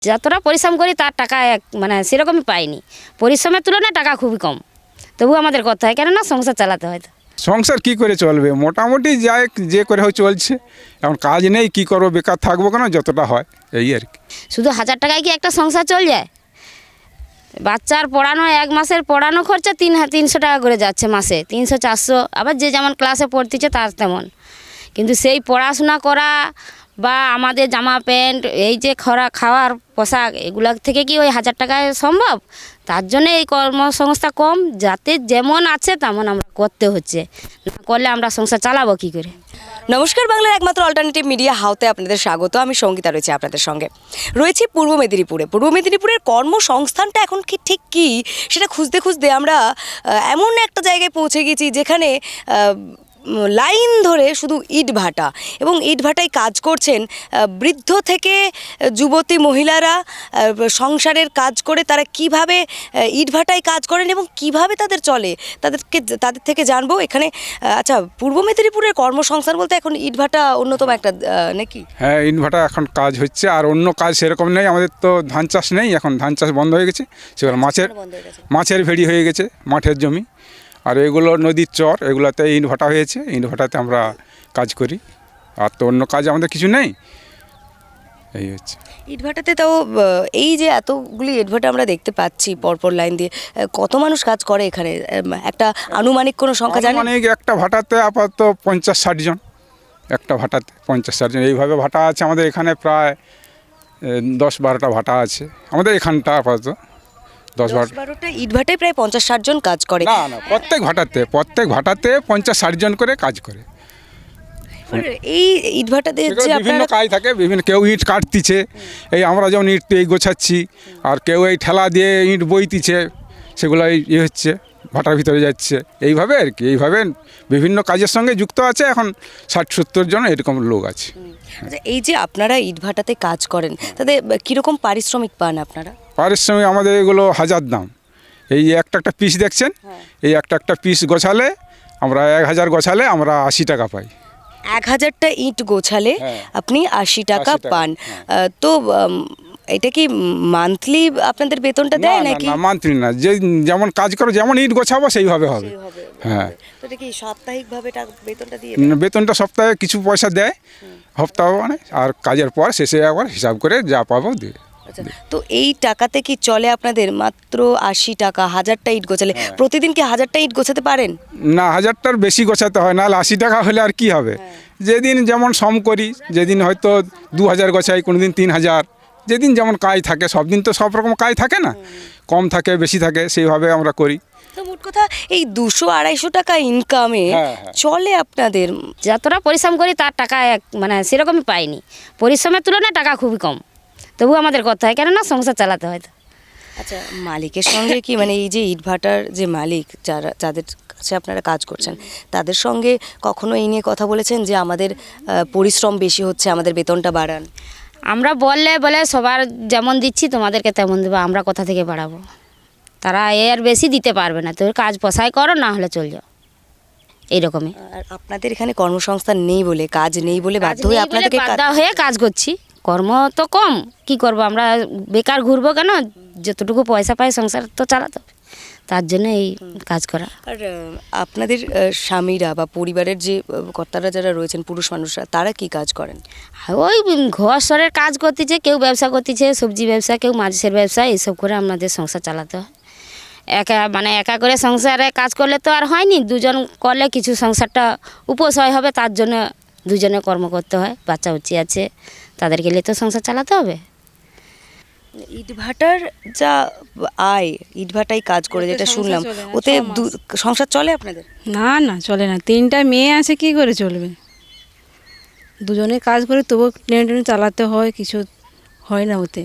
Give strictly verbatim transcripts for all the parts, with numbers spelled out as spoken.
যতটা পরিশ্রম করি তার টাকা এক মানে সেরকমই পাইনি, পরিশ্রমের তুলনায় টাকা খুবই কম, তবু আমাদের করতে হয়, কেননা সংসার চালাতে হয়। তো সংসার কি করে চলবে, মোটামুটি যায় যে করে হয় চলছে। এখন কাজ নেই, কি করবো, বেকার থাকবো কেন, যতটা হয় এই আর কি। শুধু হাজার টাকায় কি একটা সংসার চল যায়? বাচ্চার পড়ানো, এক মাসের পড়ানো খরচা তিন তিনশো টাকা করে যাচ্ছে মাসে, তিনশো চারশো, আবার যে যেমন ক্লাসে পড়তেছে তার তেমন। কিন্তু সেই পড়াশোনা করা বা আমাদের জামা প্যান্ট, এই যে খরা খাওয়ার পোশাক, এগুলো থেকে কি ওই হাজার টাকায় সম্ভব? তার জন্য এই কর্মসংস্থা কম, যাতে যেমন আছে তেমন আমরা করতে হচ্ছে, না করলে আমরা সংসার চালাবো কী করে? নমস্কার, বাংলার একমাত্র অল্টারনেটিভ মিডিয়া হাউতে আপনাদের স্বাগত। আমি সঙ্গীতা রয়েছি আপনাদের সঙ্গে। রয়েছি পূর্ব মেদিনীপুরে। পূর্ব মেদিনীপুরের কর্মসংস্থানটা এখন কি ঠিক কী সেটা খুঁজতে খুঁজতে আমরা এমন একটা জায়গায় পৌঁছে গেছি যেখানে লাইন ধরে শুধু ইট ভাটা, এবং ইট ভাটায় কাজ করছেন বৃদ্ধ থেকে যুবতী মহিলারা। সংসারের কাজ করে তারা কিভাবে ইট ভাটায় কাজ করেন এবং কিভাবে তাদের চলে, তাদেরকে তাদের থেকে জানবো এখানে। আচ্ছা, পূর্ব মেদিনীপুরের কর্মসংস্থান বলতে এখন ইট ভাটা অন্যতম একটা নাকি? হ্যাঁ, ইট ভাটা এখন কাজ হচ্ছে, আর অন্য কাজ সেরকম নেই। আমাদের তো ধান চাষ নেই, এখন ধান চাষ বন্ধ হয়ে গেছে, সেগুলো মাছের মাছের ভেড়ি হয়ে গেছে, মাঠের জমি। আর এগুলো নদীর চর, এগুলোতে ইট ভাটা হয়েছে, ইট ভাটাতে আমরা কাজ করি, আর তো অন্য কাজ আমাদের কিছু নেই। এই হচ্ছে ইট ভাটাতে। তাও এই যে এতগুলি ইট ভাটা আমরা দেখতে পাচ্ছি পরপর লাইন দিয়ে, কত মানুষ কাজ করে এখানে? একটা আনুমানিক কোনো সংখ্যা জানেন? আনুমানিক একটা ভাটাতে আপাতত পঞ্চাশ ষাট জন, একটা ভাটাতে পঞ্চাশ ষাট জন। এইভাবে ভাটা আছে আমাদের এখানে, প্রায় দশ বারোটা ভাটা আছে আমাদের এখানটা আপাতত। দশ বারোটা ইট ভাটায় প্রায় পঞ্চাশ ষাট জন কাজ করে? না না, প্রত্যেক ভাটাতে প্রত্যেক ভাটাতে পঞ্চাশ ষাট জন করে কাজ করে। এই ইট ভাটাতে যে বিভিন্ন কাজ থাকে, বিভিন্ন, কেউ ইট কাটতিছে, এই আমরা যেমন ইট এই গোছাচ্ছি, আর কেউ এই ঠেলা দিয়ে ইট বইতিছে, সেগুলো ইয়ে হচ্ছে, ভাটার ভিতরে যাচ্ছে, এইভাবে আর কি। এইভাবে বিভিন্ন কাজের সঙ্গে যুক্ত আছে এখন ষাট সত্তর জন এরকম লোক আছে। আচ্ছা, এই যে আপনারা ইট ভাটাতে কাজ করেন, তাদের কীরকম পারিশ্রমিক পান আপনারা? পারিশ্রমিক আমাদের এগুলো হাজার দাম। এই একটা একটা পিস দেখছেন, এই একটা একটা পিস গোছালে আমরা এক হাজার গোছালে আমরা আশি টাকা পাই। এক হাজারটা ইট গোছালে আপনি আশি টাকা পান। তো এটা কি মান্থলি আপনাদের বেতনটা দেয় নাকি? না, মান্থলি না, যে যেমন কাজ করো, যেমন ইট গোছাবো সেইভাবে হবে। হ্যাঁ, তো এটা কি সাপ্তাহিকভাবে বেতনটা দিয়ে? বেতনটা সপ্তাহে কিছু পয়সা দেয়, সপ্তাহ মানে, আর কাজের পর শেষে একবার হিসাব করে যা পাবো দিয়ে। আচ্ছা, তো এই টাকাতে কি চলে আপনাদের? মাত্র আশি টাকা, হাজারটা ইট গোছালে প্রতিদিন কি হাজারটা ইট গোছাতে পারেন? না, হাজারটার বেশি গোছাতে হয়, নাহলে আশি টাকা হলে আর কি হবে। যেদিন যেমন সম করি, যেদিন হয়তো দু হাজার গোছাই, কোনো দিন তিন হাজার, যেদিন যেমন কাজ থাকে। সব দিন তো সব রকম কাজ থাকে না, কম থাকে বেশি থাকে, সেইভাবে আমরা করি। তো মোট কথা এই দুশো আড়াইশো টাকা ইনকামে চলে আপনাদের? যতটা পরিশ্রম করি তার টাকা এক মানে সেরকমই পাইনি, পরিশ্রমের তুলনায় টাকা খুবই কম, তবু আমাদের করতে হয়, কেননা সংসার চালাতে হয়। তো আচ্ছা, মালিকের সঙ্গে কি, মানে এই যে ইটভাটার যে মালিক, যারা যাদের কাছে আপনারা কাজ করছেন, তাদের সঙ্গে কখনো এই নিয়ে কথা বলেছেন যে আমাদের পরিশ্রম বেশি হচ্ছে, আমাদের বেতনটা বাড়ান? আমরা বললে বলে সবার যেমন দিচ্ছি তোমাদেরকে তেমন দেবো, আমরা কোথা থেকে বাড়াবো? তারা এর বেশি দিতে পারবে না, তোর কাজ পোষাই করো, না হলে চল যাও, এইরকমই। আর আপনাদের এখানে কর্মসংস্থান নেই বলে, কাজ নেই বলে বাধ্য হয়ে আপনাদেরকে বাধ্য হয়ে কাজ করছি। কর্ম তো কম, কি করব, আমরা বেকার ঘুরবো কেন? যতটুকু পয়সা পাই সংসার তো চালাতে হবে, তার জন্য এই কাজ করা। আর আপনাদের স্বামীরা বা পরিবারের যে কর্তারা যারা রয়েছেন, পুরুষ মানুষরা, তারা কি কাজ করেন? ওই ঘর সরের কাজ করতেছে, কেউ ব্যবসা করতেছে, সবজি ব্যবসা, কেউ মাছের ব্যবসা, এইসব করে আমাদের সংসার চালাতে হয়। একা মানে একা করে সংসারে কাজ করলে তো আর হয়নি, দুজন করলে কিছু সংসারটা উপসয় হবে, তার জন্য দুজনে কর্ম করতে হয়। বাচ্চা উচ্চি আছে, তাদেরকে নিয়ে তো সংসার চালাতে হবে। ইটভাটার যা আয়, ইটভাটাই কাজ করে যেটা শুনলাম, ওতে সংসার চলে আপনাদের? না না, চলে না। তিনটা মেয়ে আছে, কি করে চলবে? দুজনে কাজ করে তবু টেনে টেনে চালাতে হয়, কিছু হয় না ওতে।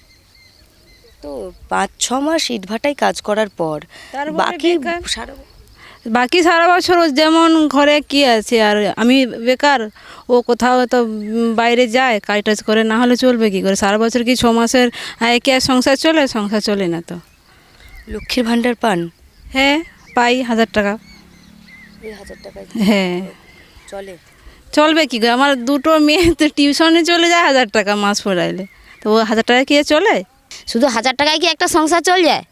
তো পাঁচ ছ মাস ইটভাটাই কাজ করার পর বাকি সারা বাকি সারা বছর যেমন ঘরে কি আছে, আর আমি বেকার, ও কোথাও তো বাইরে যায় কাজ টাজ করে, না হলে চলবে কি করে? সারা বছর কি ছ মাসের কি আর সংসার চলে? সংসার চলে না তো। লক্ষ্মীর ভাণ্ডার পান? হ্যাঁ, পাই হাজার টাকা। হাজার টাকা? হ্যাঁ, চলে। চলবে কি করে? আমার দুটো মেয়ে তো টিউশনে চলে যায়, হাজার টাকা মাস পড়াইলে তো ও হাজার টাকা কি আর চলে? শুধু হাজার টাকায় কি একটা সংসার চল যায়?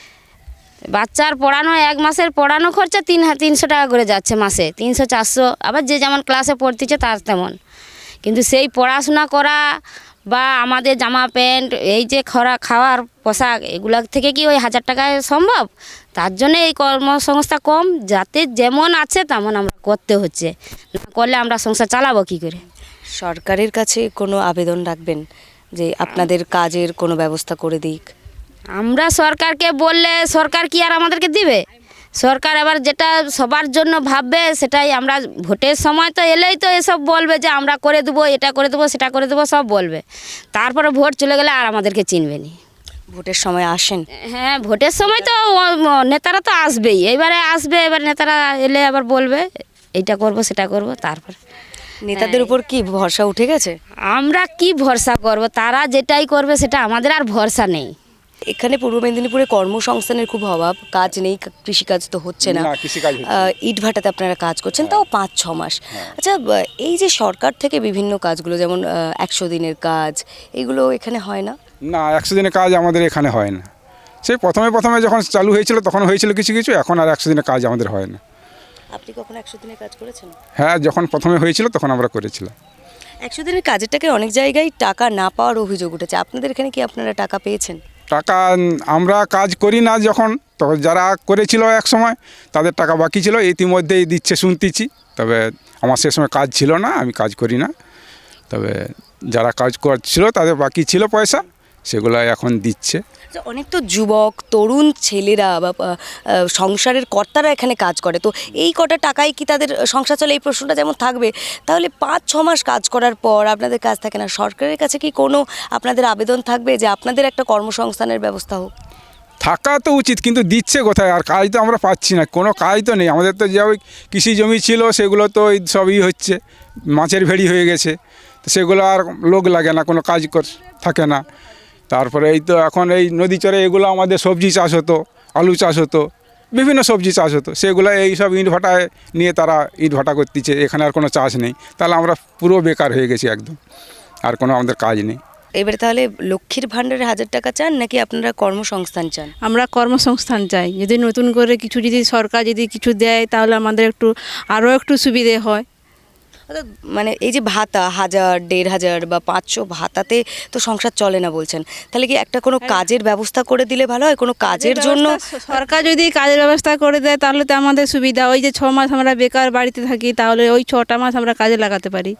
বাচ্চার পড়ানো এক মাসের পড়ানো খরচা তিন হা- তিনশো টাকা করে যাচ্ছে মাসে, তিনশো চারশো, আবার যে যেমন ক্লাসে পড়তেছে তার তেমন। কিন্তু সেই পড়াশোনা করা বা আমাদের জামা প্যান্ট এই যে খরা খাওয়ার পোশাক এগুলো থেকে কি ওই হাজার টাকায় সম্ভব? তার জন্য এই কর্মসংস্থা কম, যাতে যেমন আছে তেমন আমরা করতে হচ্ছে, না করলে আমরা সংসার চালাবো কী করে? সরকারের কাছে কোনো আবেদন রাখবেন যে আপনাদের কাজের কোনো ব্যবস্থা করে দিক? আমরা সরকারকে বললে সরকার কি আর আমাদেরকে দিবে? সরকার এবার যেটা সবার জন্য ভাববে সেটাই। আমরা ভোটের সময় তো এলেই তো এসব বলবে যে আমরা করে দেবো, এটা করে দেবো, সেটা করে দেবো, সব বলবে। তারপরে ভোট চলে গেলে আর আমাদেরকে চিনবে না। ভোটের সময় আসেন? হ্যাঁ, ভোটের সময় তো ও- ও- নেতারা তো আসবেই, এবারে আসবে, এবার নেতারা এলে আবার বলবে এইটা করব সেটা করব। তারপর নেতাদের উপর কি ভরসা উঠে গেছে? আমরা কি ভরসা করব? তারা যেটাই করবে সেটা আমাদের আর ভরসা নেই। এখানে পূর্ব মেদিনীপুরে কর্মসংস্থানের খুব অভাব, কাজ নেই, কৃষিকাজ তো হচ্ছে না। না, কৃষিকাজ হচ্ছে আহ, ইট ভাটাতে আপনারা কাজ করছেন, তাও পাঁচ ছ মাস। আচ্ছা, বা- এই যে সরকার থেকে বিভিন্ন কাজগুলো যেমন একশো দিনের কাজ, এগুলো এখানে হয় না? না, একশো দিনের কাজ আমাদের এখানে হয় না। সেই প্রথমে প্রথমে যখন চালু হয়েছিল তখন হয়েছিল কিছু কিছু, এখন আর একশো দিনের কাজ আমাদের হয় না। আপনি কখনো একশো দিনের কাজ করেছেন? হ্যাঁ, যখন প্রথমে হয়েছিল তখন আমরা করেছিলাম। একশো দিনের কাজেরটাকে অনেক জায়গায় টাকা না পাওয়ার অভিযোগ উঠেছে, আপনাদের এখানে কি আপনারা টাকা পেয়েছেন? টাকা আমরা কাজ করি না যখন, তখন যারা করেছিল এক সময় তাদের টাকা বাকি ছিল, ইতিমধ্যেই দিচ্ছে শুনতেছি। তবে আমার সে সময় কাজ ছিল না, আমি কাজ করি না। তবে যারা কাজ করছিল তাদের বাকি ছিল পয়সা, সেগুলো এখন দিচ্ছে। আচ্ছা, অনেক তো যুবক তরুণ ছেলেরা বা আহ, আহ, সংসারের কর্তারা এখানে কাজ করে, তো এই কটা টাকায় কি তাদের সংসার চলে? এই প্রশ্নটা যেমন থাকবে, তাহলে পাঁচ ছ মাস কাজ করার পর আপনাদের কাজ থাকে না, সরকারের কাছে কি কোনো আপনাদের আবেদন থাকবে যে আপনাদের একটা কর্মসংস্থানের ব্যবস্থা হোক? থাকা তো উচিত, কিন্তু দিচ্ছে কোথায়? আর কাজ তো আমরা পাচ্ছি না, কোনো কাজ তো নেই আমাদের। তো যে ওই কৃষি জমি ছিল সেগুলো তো ওই সবই হচ্ছে, মাছের ভেড়ি হয়ে গেছে, তো সেগুলো আর লোক লাগে না, কোনো কাজ কর থাকে না। তারপরে এই তো এখন এই নদী চরে এগুলো আমাদের সবজি চাষ হতো, আলু চাষ হতো, বিভিন্ন সবজি চাষ হতো, সেগুলো এই সব ইট ভাটায় নিয়ে তারা ইট ভাটা করতেছে, এখানে আর কোনো চাষ নেই। তাহলে আমরা পুরো বেকার হয়ে গেছি একদম, আর কোনো আমাদের কাজ নেই। এবারে তাহলে লক্ষ্মীর ভাণ্ডারে হাজার টাকা চান নাকি আপনারা কর্মসংস্থান চান? আমরা কর্মসংস্থান চাই, যদি নতুন করে কিছু যদি সরকার যদি কিছু দেয় তাহলে আমাদের একটু আরও একটু সুবিধে হয়। অর্থাৎ মানে এই যে ভাতা হাজার দেড় হাজার বা পাঁচশো ভাতাতে তো সংসার চলে না বলছেন, তাহলে কি একটা কোনো কাজের ব্যবস্থা করে দিলে ভালো হয়? কোনো কাজের জন্য সরকার যদি কাজের ব্যবস্থা করে দেয় তাহলে তো আমাদের সুবিধা। ওই যে ছ মাস আমরা বেকার বাড়িতে থাকি, তাহলে ওই ছটা মাস আমরা কাজে লাগাতে পারি।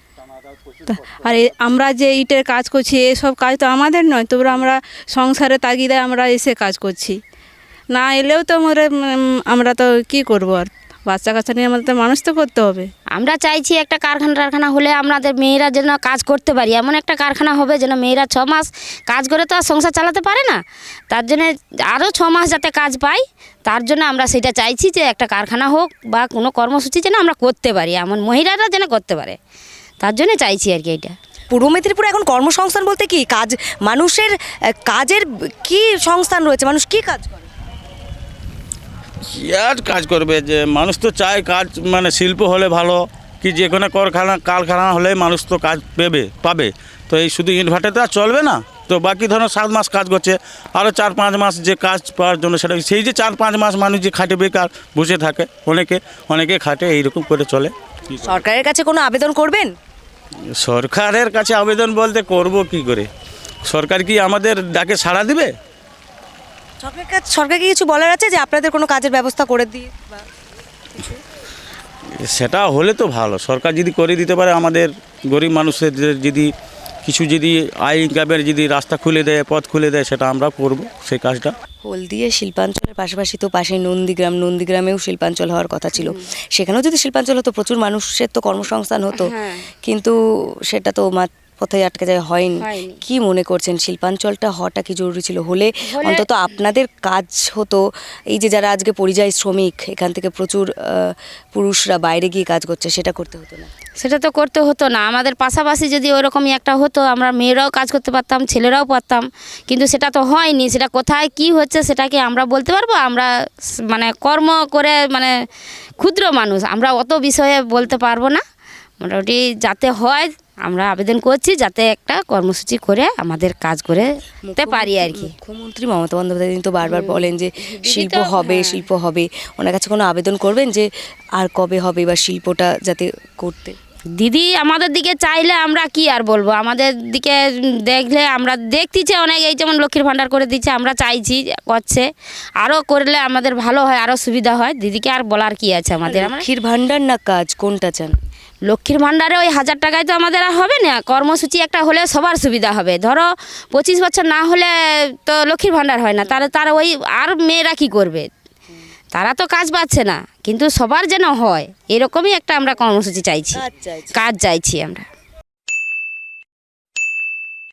তা- আর এ- আমরা যে ইটের কাজ করছি এসব কাজ তো আমাদের নয়, তবু আমরা সংসারে তাগিদায় আমরা এসে কাজ করছি। না এলেও তো আমাদের উম, আমরা তো কি করব, আর বাচ্চা কাচ্চা নিয়ে আমাদের তো মানুষ তো করতে হবে। আমরা চাইছি একটা কারখানা টারখানা হলে আমাদের মেয়েরা যেন কাজ করতে পারি, এমন একটা কারখানা হবে যেন মেয়েরা ছ মাস কাজ করে তো আর সংসার চালাতে পারে না, তার জন্য আরও ছ মাস যাতে কাজ পাই, তার জন্য আমরা সেটা চাইছি যে একটা কারখানা হোক বা কোনো কর্মসূচি যেন আমরা করতে পারি, এমন মহিলারা যেন করতে পারে, তার জন্য চাইছি আর কি এটা। পূর্ব মেদিনীপুরে এখন কর্মসংস্থান বলতে কি কাজ, মানুষের আহ, কাজের কি সংস্থান রয়েছে, মানুষ কি কাজ করে? কি আর কাজ করবে, যে মানুষ তো চায় কাজ, মানে শিল্প হলে ভালো, কি যে কোনো কারখানা কারখানা হলে মানুষ তো কাজ পেবে পাবে। তো এই শুধু ইট ভাটাতে আর চলবে না, তো বাকি ধরো সাত মাস কাজ করছে, আরও চার পাঁচ মাস যে কাজ পাওয়ার জন্য সেটা সেই যে চার পাঁচ মাস মানুষ যে খাটে বেকার বসে থাকে, অনেকে অনেকে খাটে, এইরকম করে চলে। সরকারের কাছে কোনো আবেদন করবেন? সরকারের কাছে আবেদন বলতে করব কি করে? সরকার কি আমাদের ডাকে সাড়া দিবে? সরকারের কাছে সরকারকে কিছু বলার আছে যে আপনাদের কোনো কাজের ব্যবস্থা করে দিয়ে বা সেটা হলে তো ভালো, সরকার যদি করে দিতে পারে আমাদের গরিব মানুষের যে- যদি কিছু যদি আয় ইনকামের যদি রাস্তা খুলে দেয়, পথ খুলে দেয়, সেটা আমরা করব সেই কাজটা। হলদিয়া শিল্পাঞ্চলের পাশাপাশি তো পাশে নন্দীগ্রাম, নন্দীগ্রামেও শিল্পাঞ্চল হওয়ার কথা ছিল, সেখানেও যদি শিল্পাঞ্চল হতো প্রচুর মানুষের তো কর্মসংস্থান হতো, হ্যাঁ। কিন্তু সেটা তো মাত পথে আটকে যায়, হয়নি। হয়নি। কি মনে করছেন শিল্পাঞ্চলটা হওয়াটা কি জরুরি ছিল? হলে হলে- অন্তত আপনাদের কাজ হতো। এই যে যারা আজকে পরিযায়ী শ্রমিক, এখান থেকে প্রচুর আহ, পুরুষরা বাইরে গিয়ে কাজ করছে, সেটা করতে হতো না? সেটা তো করতে হতো না, আমাদের পাশাপাশি যদি ওরকমই একটা হতো আমরা মেয়েরাও কাজ করতে পারতাম, ছেলেরাও পারতাম, কিন্তু সেটা তো হয়নি। সেটা কোথায় কি হচ্ছে সেটা কি আমরা বলতে পারবো? আমরা স- মানে কর্ম করে মানে ক্ষুদ্র মানুষ, আমরা অত বিষয়ে বলতে পারবো না। মোটামুটি যাতে হয় আমরা আবেদন করছি যাতে একটা কর্মসূচি করে আমাদের কাজ করে তে পারি আর কি। মুখ্যমন্ত্রী মমতা বন্দ্যোপাধ্যায় কিন্তু বারবার বলেন যে শিল্প তো- হবে হ্যাঁ। শিল্প হবে, ওনার কাছে কোনো আবেদন করবেন যে আর কবে হবে বা শিল্পটা যাতে করতে? দিদি আমাদের দিকে চাইলে আমরা কি আর বলবো, আমাদের দিকে দেখলে আমরা দেখতেছি অনেক, এই যেমন লক্ষ্মীর ভাণ্ডার করে দিচ্ছে, আমরা চাইছি করছে, আরও করলে আমাদের ভালো হয়, আরও সুবিধা হয়। দিদিকে আর বলার কি আছে আমাদের। আমরা লক্ষ্মীর ভাণ্ডার না কাজ, কোনটা চান? লক্ষ্মীর ভাণ্ডারে ওই হাজার টাকায় তো আমাদের আর হবে না, কর্মসূচি একটা হলে সবার সুবিধা হবে। ধরো পঁচিশ বছর না হলে তো লক্ষ্মীর ভাণ্ডার হয় না, তাহলে তারা ওই আর মেয়েরা কি করবে, তারা তো কাজ পাচ্ছে না, কিন্তু সবার যেন হয় এরকমই একটা আমরা কর্মসূচি চাইছি, কাজ চাইছি। কাজ চাইছি আমরা।